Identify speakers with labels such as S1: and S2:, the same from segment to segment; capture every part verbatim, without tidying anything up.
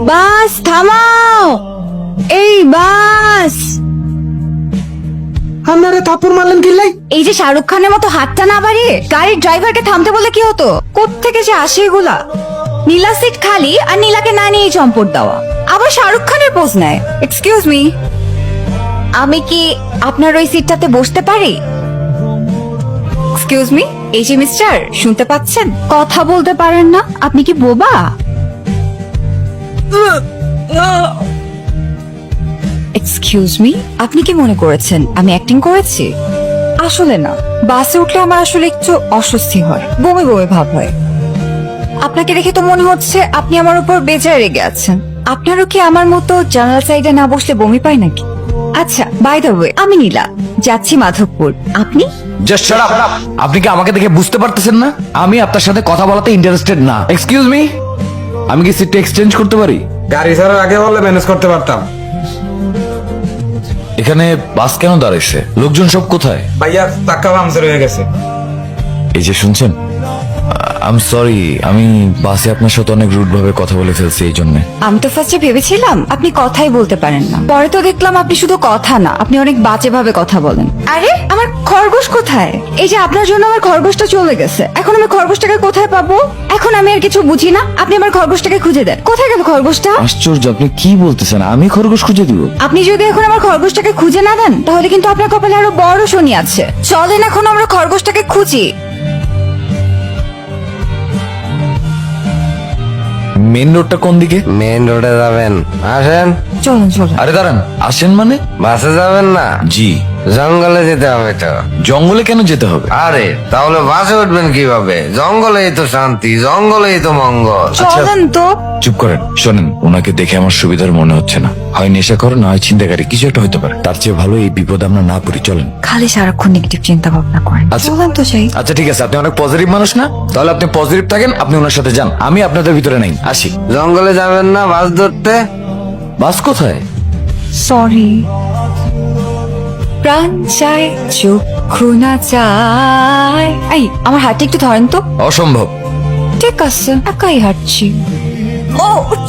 S1: বাস থামাও, এই বাস।
S2: আপনারে থাপ্পড় মারলেন কিল্লাই?
S1: এই যে শাহরুখ খানের মতো হাতটা না বাড়িয়ে গাড়ির ড্রাইভারকে থামতে বলে কি হতো? কোত্থেকে যে আসে এগুলা? নীলা সিট খালি আর নীলাকে না নিয়ে চম্পট দেওয়া, আবার শাহরুখ খানের পোজ নেয়। এক্সকিউজ মি, আমি কি আপনার ওই সিটটাতে বসতে পারি? এক্সকিউজ মি, এই যে মিস্টার, শুনতে পাচ্ছেন? কথা বলতে পারেন না? আপনি কি বোবা? এক্সকিউজ মি, আপনি কি মনে করেছেন আমি অ্যাক্টিং করেছি? আসলে না, বাসে উঠলে আমার আসলে একটু অস্বস্তি হয়, বমি বমি ভাব হয়। আপনাকে দেখে তো মনে হচ্ছে আপনি আমার উপর বেজায় রেগে আছেন। আপনারও কি আমার মতো জানালা সাইডে না বসলে বমি পায় নাকি? আচ্ছা, বাই দ্য ওয়ে, আমি নীলা, যাচ্ছি মাধবপুর। আপনি?
S3: Just shut up. আপনি কি আমাকে দেখে বুঝতে পারতেছেন না আমি আপনার সাথে কথা বলাতে ইন্টারেস্টেড না? এক্সকিউজ মি, আমি কি সিটটা এক্সচেঞ্জ করতে পারি?
S2: গাড়ি ছাড়ার আগে বললে ম্যানেজ করতে পারতাম।
S3: এখানে বাস কেন দাঁড়াইছে? লোকজন সব কোথায়?
S2: ভাইয়া চাক্কা পাংচার হয়ে গেছে।
S3: এই যে শুনছেন, আই এম সরি, আমি বাসে আপনার সাথে অনেক রুড ভাবে কথা বলে ফেলছি এই জন্য।
S1: আমি তো ফার্স্টে ভেবেছিলাম আপনি কথাই বলতে পারেন না, পরে তো দেখলাম আপনি শুধু কথা না, আপনি অনেক বাজে ভাবে কথা বলেন। আরে আমার খরগোশ কোথায়? এই যে আপনার জন্য আমার খরগোশটা চলে গেছে, এখন আমি খরগোশটাকে কোথায় পাবো? এখন আমি আর কিছু বুঝি না, আপনি আমার খরগোশটাকে খুঁজে দেন। কোথায় গেল খরগোশটা?
S3: আশ্চর্য, আপনি কি বলতেছেন? আমি খরগোশ খুঁজে দিব?
S1: আপনি যদি এখন আমার খরগোশটাকে খুঁজে না দেন তাহলে কিন্তু আপনার কপালে আরো বড় শনি আছে। চলেন এখন আমরা খরগোশটাকে খুঁজি।
S3: মেন রোডটা কোন দিকে?
S4: মেইন রোডে যাবেন, আসেন।
S1: চলুন চলুন।
S3: আরে দাঁড়ান, আসেন মানে?
S4: বাসে যাবেন না,
S3: জি।
S4: জঙ্গলে যেতে হবে তো।
S3: জঙ্গলে কেন যেতে হবে?
S4: আরে তাহলে বাসে উঠবেন কিভাবে? জঙ্গলেই তো শান্তি, জঙ্গলেই তো মঙ্গল।
S1: চলেন তো।
S3: চুপ করেন, শোনেন, ওনাকে দেখে আমার সুবিধার মনে হচ্ছে না। হয় নেশা করে, না হয় ছিনতাইকারী, কিছু একটা হতে পারে। তার চেয়ে ভালো এই বিপদে আমরা না পড়ি। চলেন।
S1: খালি সারাক্ষণ নেগেটিভ চিন্তা ভাবনা করেন।
S3: আচ্ছা।
S1: চলেন তো যাই।
S3: আচ্ছা ঠিক আছে, আপনি অনেক পজিটিভ মানুষ না? তাহলে আপনি পজিটিভ থাকেন, আপনি ওনার সাথে যান, আমি আপনাদের ভিতরে নাই। আসি।
S4: জঙ্গলে যাবেন না বাস ধরতে?
S3: বাস কোথায়?
S1: সরি। প্রাণ চায় চক্ষু না চায়। এই আমার হাতটা একটু ধরেন তো।
S3: অসম্ভব।
S1: ঠিক আছে, একাই হাঁটছি। ও,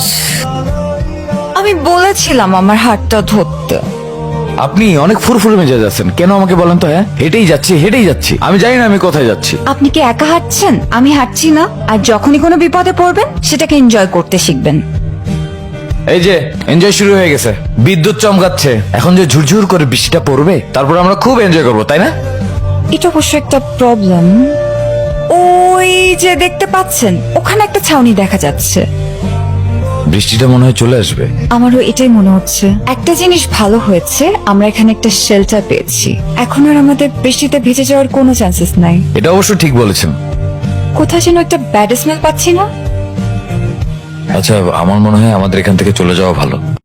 S1: আমি বলেছিলাম আমার হাতটা ধরতে।
S3: আপনি অনেক ফুরফুরে মেজাজ আছেন, কেন আমাকে বলেন তো? হ্যাঁ, হেঁটেই যাচ্ছি হেঁটেই যাচ্ছি, আমি জানি না আমি কোথায় যাচ্ছি।
S1: আপনি কি একা হাঁটছেন? আমি হাঁটছি না। আর যখনই কোনো বিপদে পড়বেন সেটাকে এনজয় করতে শিখবেন।
S3: এই যে এনজয় শুরু হয়ে গেছে, বিদ্যুৎ চমকাচ্ছে, এখন যে ঝুরঝুর করে বৃষ্টিটা পড়বে, তারপর আমরা খুব এনজয় করবো, তাই না?
S1: এটা অবশ্য একটা প্রবলেম। ওই যে দেখতে পাচ্ছেন, ওখানে একটা ছাউনি দেখা যাচ্ছে।
S3: বৃষ্টিটা মনে হয় চলে আসবে।
S1: আমারও এটাই মনে হচ্ছে। একটা জিনিস ভালো হয়েছে, আমরা এখানে একটা শেল্টার পেয়েছি। এখন আর আমাদের বৃষ্টিতে ভিজে যাওয়ার কোনো চান্সেস নাই।
S3: এটা অবশ্য ঠিক বলেছেন।
S1: কোথায় যেন একটা ব্যাড স্মেল পাচ্ছি না?
S3: আচ্ছা, আমার মনে হয় আমাদের এখান থেকে চলে যাওয়া ভালো।